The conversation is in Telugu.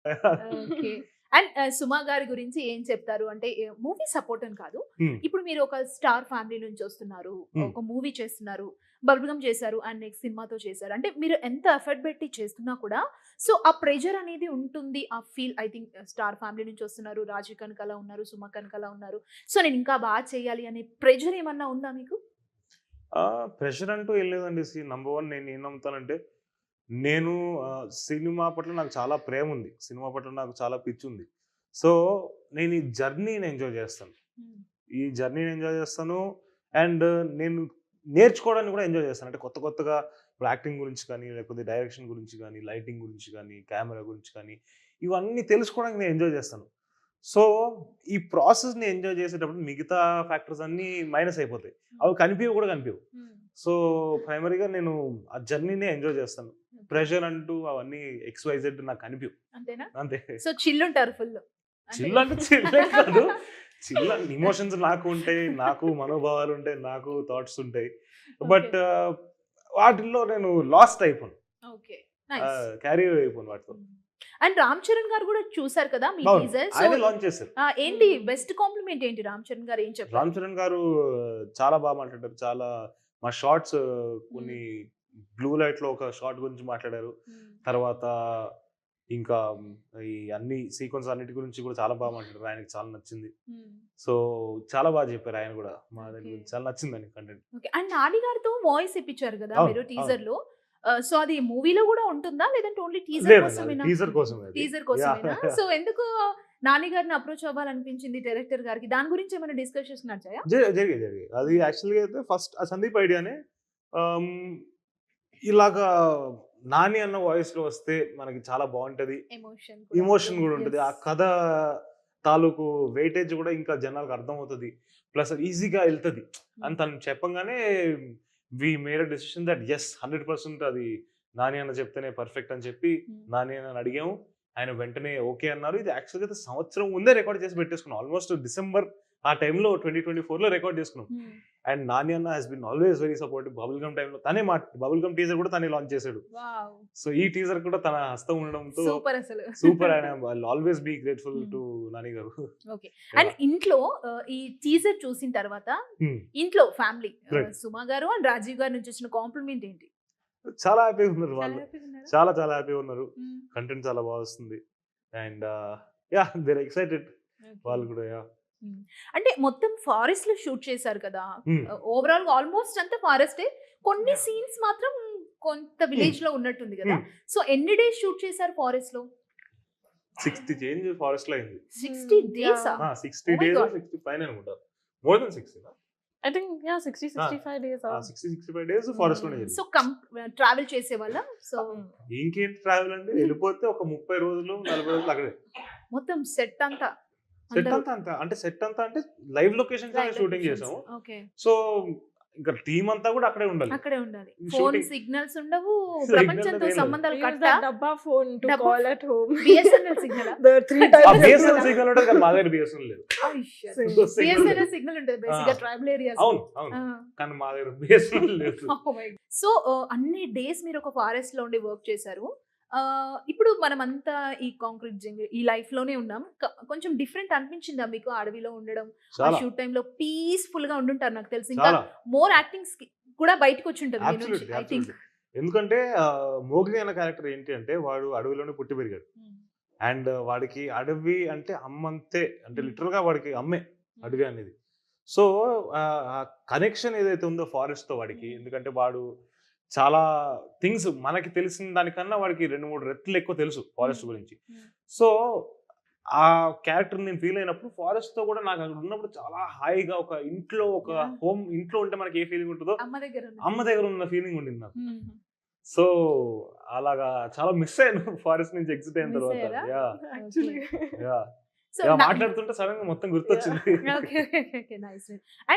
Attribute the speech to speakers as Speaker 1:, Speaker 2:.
Speaker 1: ఓకే. అండ్ సుమ గారి గురించి ఏం చెప్తారు? అంటే మూవీ సపోర్ట్ అని కాదు.
Speaker 2: హ్మ్.
Speaker 1: ఇప్పుడు మీరు ఒక స్టార్ ఫ్యామిలీ నుంచి వస్తున్నారు.
Speaker 2: హ్మ్.
Speaker 1: ఒక మూవీ చేస్తున్నారు. బబుల్ గమ్ చేశారు. అండ్ నెక్స్ట్ సినిమాతో చేశారు. అంటే మీరు ఎంత ఎఫర్ట్ పెట్టి చేస్తున్నా కూడా సో, ఆ ప్రెషర్ అనేది ఉంటుంది. ఆ feel I think star family నుంచి వస్తున్నారు. రాజు కనకాల ఉన్నారు. సుమ కనకాల ఉన్నారు. సో, నేను ఇంకా చేయాలి అనే ప్రెషర్ ఏమన్నా ఉందా మీకు?
Speaker 2: ప్రెషర్ అంటూ ఏం లేదండి. నంబర్ 1 నేను ఏం నమ్ముతానంటే, నేను సినిమా పట్ల నాకు చాలా ప్రేముంది. సినిమా పట్ల నాకు చాలా పిచ్చుంది. సో, నేను ఈ జర్నీని ఎంజాయ్ చేస్తాను.
Speaker 1: హ్మ్.
Speaker 2: ఈ జర్నీని ఎంజాయ్ చేస్తాను. అండ్ నేను నేర్చుకోవడాన్ని కూడా ఎంజాయ్ చేస్తాను. అంటే కొత్త కొత్తగా ఇప్పుడు యాక్టింగ్ గురించి కానీ, లేకపోతే డైరెక్షన్ గురించి గానీ, లైటింగ్ గురించి గానీ, కెమెరా గురించి కానీ, ఇవన్నీ తెలుసుకోవడానికి నేను ఎంజాయ్ చేస్తాను. సో, ఈ ప్రాసెస్‌ని ఎంజాయ్ చేసేటప్పుడు మిగతా ఫ్యాక్టర్స్ అన్నీ మైనస్ అయిపోతాయి. అవి కనిపియవు కూడా కనిపియవు.
Speaker 1: హ్మ్.
Speaker 2: సో, ప్రైమరీగా నేను ఆ జర్నీనే ఎంజాయ్ చేస్తాను.
Speaker 1: ఓకే.
Speaker 2: ప్రెషర్ అంటూ అవన్నీ ఎక్స్, వై, జెడ్ నాకు కనిపియవు.
Speaker 1: అంతేనా?
Speaker 2: అంతే.
Speaker 1: సో, చిల్ ఉంటారు ఫుల్లు. అంతే
Speaker 2: చిల్
Speaker 1: కదా!
Speaker 2: అంటే చిల్లే కాదు. చిల్ అంటే ఎమోషన్స్ నాకు ఉంటాయి. నాకు మనోభావాలుంటాయి. నాకు థాట్స్ ఉంటాయి.
Speaker 1: ఓకే.
Speaker 2: బట్ వాటిల్లో నేను లాస్ట్ అయిపోను.
Speaker 1: ఓకే. నైస్.
Speaker 2: క్యారీ అయిపోను వాటితో.
Speaker 1: హ్మ్. అండ్ 'రామ్ చరణ్' గారు గూడా చూసారు కదా మీ
Speaker 2: అవును.
Speaker 1: టీజర్. సో,
Speaker 2: ఆయనే లాంచ్ చేశారు.
Speaker 1: ఏంటి బెస్ట్ కాంప్లిమెంట్ ఏంటి 'రామ్ చరణ్' గారు ఏం చెప్పారు?
Speaker 2: రామ్ చరణ్ గారు చాలా బాగా మాట్లాడారు. చాలా మా షార్ట్స్
Speaker 1: హ్మ్.
Speaker 2: కొన్ని బ్లూ లైట్‌లో ఒక షాట్ గురించి మాట్లాడారు.
Speaker 1: హ్మ్.
Speaker 2: తర్వాత ఇంకా ఈ అన్ని సీక్వెన్స్ అన్నిటి గురించి కూడా చాలా బాగా మాట్లాడారు. ఆయనకి చాలా నచ్చింది.
Speaker 1: హ్మ్.
Speaker 2: సో, చాలా బాగా చెప్పారు ఆయన గూడా. మా దాని
Speaker 1: ఓకే.
Speaker 2: గురించి చాలా నచ్చిందండి కంటెంట్.
Speaker 1: ఓకే. అండ్ 'నాని' గారితో వాయిస్ ఇప్పించారు గదా
Speaker 2: అవును.
Speaker 1: మీరు
Speaker 2: అవును.
Speaker 1: టీజర్‌లో. సో, అది మూవీలో గూడా ఉంటుందా? లేదంటే ఓన్లీ టీజర్
Speaker 2: లేదండి. అది
Speaker 1: కోసమేనా?
Speaker 2: టీజర్ కోసమే అది.
Speaker 1: Teaser
Speaker 2: yeah!
Speaker 1: కోసమేనా? సో, ఎందుకు 'నాని' గారిని అప్రోచ్ అవ్వాలనిపించింది డైరెక్టర్ గారికి? దాని గురించి ఏమైనా డిస్కషన్స్ నడిచాయా?
Speaker 2: జరిగాయి. జరిగాయి. అది
Speaker 1: హ్మ్.
Speaker 2: యాక్చువల్‌గా అయితే ఫస్ట్ ఆ సందీప్ ఐడియానే. ఆహ్, ఇలాగా 'నాని' అన్న వాయిస్‌లో వస్తే మనకి చాలా బావుంటది.
Speaker 1: ఎమోషన్ కూడా
Speaker 2: ఎమోషన్
Speaker 1: ఉంటుంది.
Speaker 2: గూడా ఉంటది.
Speaker 1: యెస్.
Speaker 2: ఆ కథ తాలూకు వెయిటేజ్ గూడా ఇంకా జనాలకు అర్థమవుతది. ప్లస్ అది ఈజీగా ఎళ్తది అని
Speaker 1: హ్మ్.
Speaker 2: తను చెప్పంగానే we made a decision that yes 100% అది నాని అన్న చెప్తేనే పర్ఫెక్ట్ అని చెప్పి
Speaker 1: హ్మ్.
Speaker 2: నాని అన్నని అడిగాము. ఆయన వెంటనే ఓకే అన్నారు. ఇది యాక్చువల్‌గా అయితే సంవత్సరం ముందే రికార్డ్ చేసి పెట్టేసుకున్నాం. ఆల్‌మోస్ట్ డిసెంబర్ ఆ టైంలో 2024లో రికార్డ్ చేసుకున్నాం.
Speaker 1: హ్మ్.
Speaker 2: అండ్ నాని అన్న has been always very supportive. Bubblegum time తనే బబుల్ గమ్ టీజర్ కూడా తనే లాంచ్ చేసాడు.
Speaker 1: వావ్!
Speaker 2: సో, ఈ టీజర్ కూడా తన హస్తం ఉండడంతో
Speaker 1: సూపర్ అసలు.
Speaker 2: సూపర్. ఆయన I'll always be grateful
Speaker 1: hmm.
Speaker 2: To Nani garu.
Speaker 1: Okay. And
Speaker 2: yeah!
Speaker 1: ఇంట్లో ఈ టీజర్ చూసిన తర్వాత
Speaker 2: హ్మ్.
Speaker 1: ఇంట్లో ఫ్యామిలీ
Speaker 2: రైట్.
Speaker 1: సుమ గారు అండ్ రాజీవ్ గారి నుంచి వచ్చిన కాంప్లిమెంట్ ఏంటి?
Speaker 2: చాలా హ్యాపీగా ఉన్నారు
Speaker 1: చాలా
Speaker 2: వాళ్ళు.
Speaker 1: హ్యాపీగా ఉన్నారా?
Speaker 2: చాలా చాలా హ్యాపీగా ఉన్నారు.
Speaker 1: హ్మ్.
Speaker 2: కంటెంట్ చాలా బా వస్తుంది. And yeah! They are excited
Speaker 1: okay.
Speaker 2: వాళ్ళు కూడా. యాహ్!
Speaker 1: హ్మ్. అంటే మొత్తం ఫారెస్ట్‌లో షూట్ చేశారు కదా!
Speaker 2: హ్మ్.
Speaker 1: ఓవరాల్‌గా ఆల్‌మోస్ట్ అంతా ఫారెస్టే. కొన్ని
Speaker 2: యాహ్!
Speaker 1: సీన్స్ మాత్రం కొంత
Speaker 2: హ్మ్.
Speaker 1: విలేజ్‌లో ఉన్నట్టుంది గదా!
Speaker 2: హ్మ్.
Speaker 1: సో, ఎన్ని డేస్ షూట్ చేశారు ఫారెస్ట్‌లో?
Speaker 2: 60 చేంజ్ ఫారెస్ట్‌లో అయింది.
Speaker 1: 60 డేసా?
Speaker 3: Yeah.
Speaker 2: 60
Speaker 1: ఓహ్ మై
Speaker 2: డేసో,
Speaker 1: గాడ్!
Speaker 2: 65 అనుకుంటా. More than 60
Speaker 3: I think yeah, 60,
Speaker 2: ఆ!
Speaker 3: 65 days
Speaker 2: ఆ!
Speaker 3: off.
Speaker 2: 60, 65 డేస్ ఫారెస్ట్‌లోనే
Speaker 3: Hmm.
Speaker 1: సో,
Speaker 2: జరిగింది.
Speaker 1: ట్రావెల్ చేసేవాళ్ళా? So,
Speaker 3: Hmm.
Speaker 2: ఇంకేంటి ట్రావెల్ అండి. ఎళ్ళిపోతే ఒక 30 రోజులు, 40 రోజులు అక్కడే.
Speaker 1: మొత్తం సెట్ అంతా
Speaker 2: సెట్
Speaker 1: అందరూ
Speaker 2: అంతా అంతా అంటే సెట్ అంతా అంటే లైవ్ లొకేషన్స్‌లోనే
Speaker 1: లైవ్
Speaker 2: షూటింగ్
Speaker 1: లొకేషన్స్.
Speaker 2: చేసాము.
Speaker 1: ఓకే.
Speaker 2: సో, ఇంకా టీమ్ అంతా కూడా అక్కడే ఉండాలి.
Speaker 1: అక్కడే ఉండాలి. ఫోన్
Speaker 2: షూటింగ్
Speaker 1: సిగ్నల్స్ ఉండవు.
Speaker 2: సిగ్నల్
Speaker 1: ప్రపంచంతో
Speaker 2: అనేది ఏం లేదు.
Speaker 1: సంబంధాలు
Speaker 3: We use
Speaker 1: కట్టా?
Speaker 3: that dabba phone to
Speaker 1: డబ్బా
Speaker 3: call at home.
Speaker 1: బిఎస్ఎన్ఎల్ సిగ్నలా?
Speaker 3: There are 3
Speaker 2: uh
Speaker 3: types of
Speaker 2: BSNL
Speaker 3: phone.
Speaker 2: Signal ఉంటది కానీ మా దగ్గర బిఎస్ఎన్ఎల్ లేదు.
Speaker 1: అయ్యో!
Speaker 3: Same.
Speaker 2: సిగ్నల్ లేదు.
Speaker 1: బిఎస్ఎన్ఎల్ సిగ్నల్ ఉంటది
Speaker 2: ఆ!
Speaker 1: బేసిక్‌గా ట్రైబల్ ఏరియాస్‌లో.
Speaker 2: అవును. అవును.
Speaker 1: ఆ!
Speaker 2: కానీ మా దగ్గర బిఎస్ఎన్ఎల్ లేదు.
Speaker 1: Oh my god! సో, అన్ని డేస్ మీరు ఒక ఫారెస్ట్‌లో ఉండి వర్క్ చేశారు. ఇప్పుడు మనమంతా ఈ కాంక్రీట్ జంగిల్ ఈ లైఫ్‌లోనే ఉన్నాం. కొంచెం డిఫరెంట్ అనిపించిందా మీకు ఆ అడవిలో ఉండడం? ఆ
Speaker 2: చాలా.
Speaker 1: షూట్ టైమ్‌లో పీస్‌ఫుల్‌గా ఉండుంటారు నాకు తెలిసి. ఇంకా
Speaker 2: చాలా.
Speaker 1: మోర్ యాక్టింగ్స్‌కి కూడా బయటికొచ్చుంటది మీ నుంచి
Speaker 2: అబ్సల్యూట్‌లీ.
Speaker 1: I think.
Speaker 2: అబ్సల్యూట్‌లీ. ఎందుకంటే 'మోగ్లీ' అన్న క్యారెక్టర్ ఏంటి అంటే వాడు అడవిలోనే పుట్టి పెరిగాడు.
Speaker 1: హ్మ్.
Speaker 2: అండ్ వాడికి అడవి అంటే అమ్మంతే. అంటే
Speaker 1: హ్మ్.
Speaker 2: లిటరల్‌గా వాడికి అమ్మే
Speaker 1: హ్మ్.
Speaker 2: అడవి అనేది. సో, ఆ కనెక్షన్ ఏదైతే ఉందో ఫారెస్ట్‌తో వాడికి,
Speaker 1: హ్మ్.
Speaker 2: ఎందుకంటే వాడు చాలా థింగ్స్ మనకి తెలిసిన దానికన్నా వాడికి 2, 3 రెట్లు ఎక్కువ తెలుసు
Speaker 1: హ్మ్.
Speaker 2: ఫారెస్ట్ గురించి.
Speaker 1: హ్మ్.
Speaker 2: సో, ఆ క్యారెక్టర్ నేను ఫీల్ అయినప్పుడు ఫారెస్ట్‌తో కూడా నాకు అక్కడ ఉన్నప్పుడు చాలా హాయిగా ఒక ఇంట్లో ఒక
Speaker 1: యాహ్!
Speaker 2: ఇంట్లో ఉంటే మనకి ఏ ఫీలింగ్ ఉంటదో
Speaker 1: అమ్మ దగ్గర ఉన్న
Speaker 2: అమ్మ
Speaker 1: ఫీలింగ్.
Speaker 2: దగ్గర ఉన్న ఫీలింగ్ ఉండింది నాకు.
Speaker 1: హ్మ్.
Speaker 2: సో, అలాగా చాలా మిస్ అయ్యాను ఫారెస్ట్ నుంచి ఎగ్జిట్ అయిన
Speaker 1: మిస్
Speaker 2: తర్వాత.
Speaker 1: అయ్యారా?
Speaker 2: Yeah!
Speaker 1: Okay.
Speaker 3: Actually.
Speaker 2: Yeah!
Speaker 1: So,
Speaker 2: yeah! మాట్లాడుతుంటే సడెన్‌గా మొత్తం
Speaker 3: Yeah.
Speaker 2: గుర్తొచ్చింది.
Speaker 1: ఓకే. ఓకే. నైస్.